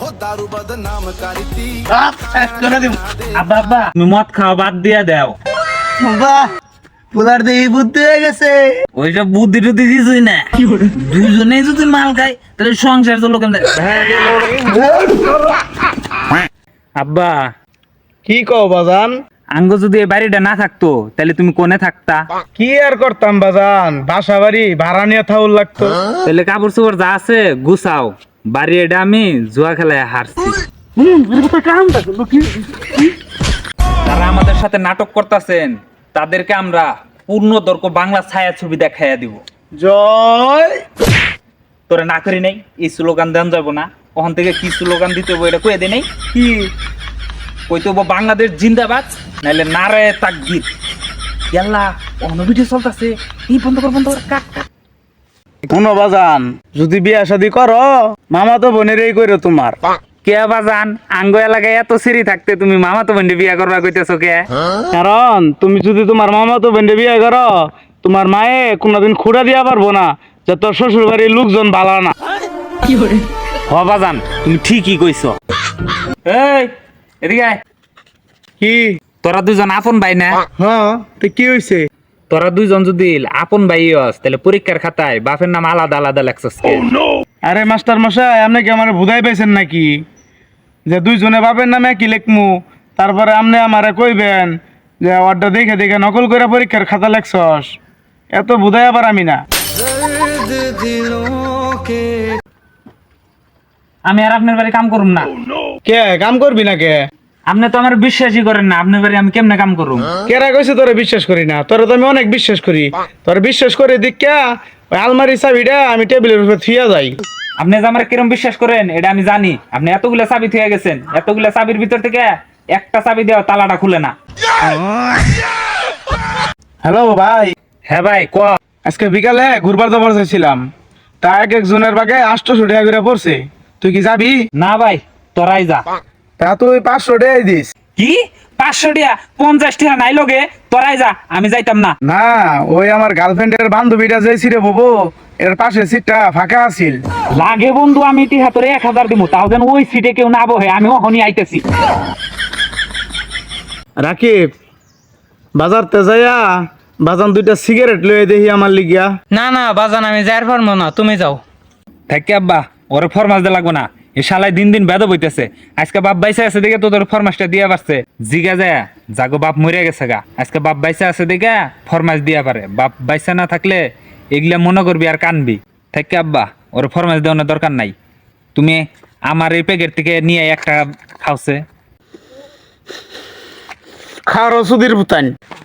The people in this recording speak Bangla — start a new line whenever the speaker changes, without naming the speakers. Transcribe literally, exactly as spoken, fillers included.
আব্বা আব্বা তুমি মদ খাওয়া বাদ দিয়া দাও।
বাহ, পোলার দেহি বুদ্ধি হয়ে গেছে।
ওইসব বুদ্ধি টুদ্ধি কিছুই না, দুইজনেই যদি মাল খায় তাহলে সংসার চলো কেমন। আব্বা
কি কও বাজান?
আঙ্গ যদি এই বাড়িটা না থাকতো তাহলে তুমি কোনে থাকতা?
কি আর করতাম বাজান, বাসা বাড়ি ভাড়া নিয়ে থাউল লাগতো।
তাহলে কাপড় চোপড় যা আছে গুছাও, বাড়ি এটা আমি জুয়া খেলায় হারছি। যারা আমাদের সাথে নাটক করতেছেন তাদেরকে আমরা পূর্ণ দর্ক বাংলা ছায়া ছবি দেখাইয়া দিব।
জয়।
তোরে না করি নাই এই স্লোগান দেন যাবো না, ওখান থেকে কি স্লোগান দিতে হবে এটা কয়ে দে নাই
কি
কইতে হবো? বাংলাদেশ জিন্দাবাদ, নাইলে নারায়ে তাকবীর। ইয়াল্লা অন্য ভিডিও চলতেছে, এই বন্ধ কর বন্ধ কর, কাট কাট।
শোনো বাজান, যদি বিয়া শাদি করো মামা তো বোনের এই করো তোমার।
কে বাজান আঙ্গ এলাকায় এত সিঁড়ি থাকতে তুমি মামা তো বন্ধে বিয়া করবা কইতেছো কে?
কারণ তুমি যদি তোমার মামা তো বোনের বিয়া করো, তোমার মায়ে কোনোদিন খুঁড়া দিয়া পারবো না যে তোর শ্বশুর বাড়ির লোকজন ভালো না।
হ বাজান তুমি ঠিকই কইছো। এই এদিকে আয়।
কি?
তোরা দুজন আপন ভাই না?
হ্যাঁ, তো কি হয়েছে?
তোরা দুইজন যদি আপন ভাই হস তাহলে পরীক্ষার খাতায় বাপের নাম আলাদা আলাদা লেখছস কে?
আরে মাস্টার মশাই, আপনি কি আমার বুঝাই পাইছেন নাকি যে দুইজনে বাপের নামে কি লেখমু, তারপরে আপনি আমারে কইবেন যে ওয়ার্ডটা দেখে দেখে নকল করে পরীক্ষার খাতা লেখছস? এত বুঝাই আবার আমি না।
আমি আর আপনার বাড়ি কাম করুম না।
কে কাম করবি না? কে
আপনি তো আমার বিশ্বাসই করেন না, আপনার বাড়ি আমি কেমনে কাম করুম?
কেরা কইছে তোরে বিশ্বাস করি না? তোরে তো আমি অনেক বিশ্বাস করি। তোরে বিশ্বাস করে দিকা ওই আলমারি চাবিটা আমি টেবিলের উপর থুইয়া যাই।
আপনি যে আমার কিরম বিশ্বাস করেন এটা আমি জানি। আপনি এতগুলা চাবি থুয়ে গেছেন, এতগুলা চাবির ভিতর থেকে একটা চাবি দেওয়া তালাটা খুলে না।
হ্যালো ভাই।
হ্যাঁ ভাই ক।
আজকে বিকালে ঘুরবার যাবার চাইছিলাম, তা এক একজনের বাগে আটশো টাকা করে পড়ছে। তুই কি যাবি?
না ভাই তোরাই যা।
তা তুই পাঁচশো টাকাই দিস।
কি পাঁচশো টিয়া পঞ্চাশ টিয়া নাই লগে? তোরাই যা, আমি যাইতাম না।
না, ওই আমার গার্লফ্রেন্ডের বান্ধবীটা যে ছিঁড়ে ববো এর পাশে সিটটা ফাঁকা আছিল।
লাগে বন্ধু আমি টিহা তোরে এক হাজার দিব, তাও যেন ওই সিটে কেউ না বহে। আমি ওখানে আইতেছি।
রাকিব, বাজার তে যাইয়া বাজান দুইটা সিগারেট লয়ে দেখি আমার লিগিয়া।
না না বাজান আমি যাইর পারবো না, তুমি যাও।
থাকি আব্বা, ওরে ফরমাস দে লাগবো না। এ শালাই দিন দিন বেদ বইতেছে। আজকে বাপ বাইসা আছে দেখে তোদের ফরমাসটা দিয়া পারছে। জিগা যায় জাগো বাপ মরে গেছে গা, আজকে বাপ বাইসা আছে দেখে ফরমাস দিয়া পারে। বাপ বাইসা না থাকলে এগুলা মনে করবি আর কানবি। থাকি আব্বা, ওরে ফরমাস দেওয়ানোর দরকার নাই। তুমি আমার এই প্যাকেট থেকে নিয়ে একটা খাওছে।
খারো সুধীর ভুতান।